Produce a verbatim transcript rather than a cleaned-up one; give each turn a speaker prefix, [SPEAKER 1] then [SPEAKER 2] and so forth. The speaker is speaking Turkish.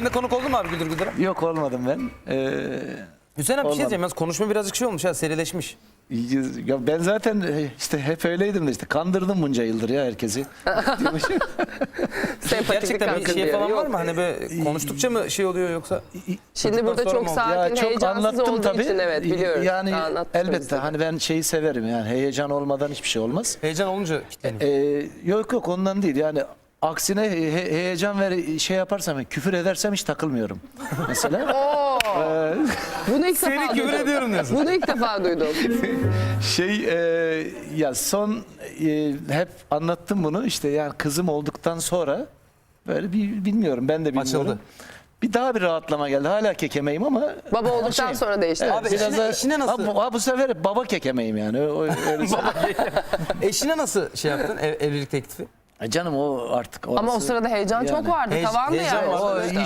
[SPEAKER 1] Sen de konuk oldun mu abi Güldür Güldür'e?
[SPEAKER 2] Yok olmadım ben. Ee,
[SPEAKER 1] Hüseyin abi bir şey
[SPEAKER 2] Olmadı.
[SPEAKER 1] diyeceğim. Yalnız konuşma birazcık şey olmuş ha, serileşmiş.
[SPEAKER 2] ya ben zaten işte hep öyleydim de işte kandırdım bunca yıldır ya herkesi.
[SPEAKER 3] Sempatiklik
[SPEAKER 1] Gerçekten bir
[SPEAKER 3] hakkı
[SPEAKER 1] şey
[SPEAKER 3] diyor.
[SPEAKER 1] falan
[SPEAKER 3] Yok.
[SPEAKER 1] var mı? Hani böyle konuştukça mı şey oluyor yoksa?
[SPEAKER 3] Şimdi burada
[SPEAKER 1] Sonra
[SPEAKER 3] çok
[SPEAKER 1] mı oldu?
[SPEAKER 3] sakin,
[SPEAKER 2] Ya çok
[SPEAKER 3] heyecansız
[SPEAKER 2] anlattım
[SPEAKER 3] olduğu
[SPEAKER 2] tabii.
[SPEAKER 3] için evet biliyoruz.
[SPEAKER 2] Yani
[SPEAKER 3] Daha anlattınız
[SPEAKER 2] elbette
[SPEAKER 3] bize.
[SPEAKER 2] hani ben şeyi severim yani heyecan olmadan hiçbir şey olmaz.
[SPEAKER 1] Heyecan olunca kilitleniyor.
[SPEAKER 2] Ee, yok yok ondan değil yani aksine he- he- heyecan ve şey yaparsam küfür edersem hiç takılmıyorum. Mesela
[SPEAKER 3] Oo. Bunu ilk
[SPEAKER 1] Seni
[SPEAKER 3] defa
[SPEAKER 1] küfür
[SPEAKER 3] duydum.
[SPEAKER 1] ediyorum diyorsun.
[SPEAKER 3] Bunu ilk defa duydum.
[SPEAKER 2] şey e, ya son e, hep anlattım bunu işte yani kızım olduktan sonra böyle bir bilmiyorum ben de bilmiyorum.
[SPEAKER 1] Açıldı.
[SPEAKER 2] Bir daha bir rahatlama geldi. Hala kekemeyim ama
[SPEAKER 3] Baba olduktan
[SPEAKER 2] şey,
[SPEAKER 3] sonra değişti.
[SPEAKER 2] evet,
[SPEAKER 1] Abi
[SPEAKER 2] biraz
[SPEAKER 1] eşine-
[SPEAKER 2] da-
[SPEAKER 1] eşine nasıl-
[SPEAKER 2] Ha, bu, ha, bu sefer baba kekemeyim yani. O, öyle
[SPEAKER 1] Eşine nasıl şey yaptın ev, evlilik teklifi?
[SPEAKER 2] Ay canım o artık orası.
[SPEAKER 3] Ama o sırada heyecan
[SPEAKER 2] Yani.
[SPEAKER 3] çok vardı.
[SPEAKER 1] Heye-
[SPEAKER 3] Tavandı
[SPEAKER 1] heyecan
[SPEAKER 3] yani.
[SPEAKER 1] var.
[SPEAKER 2] o
[SPEAKER 3] sonuçta.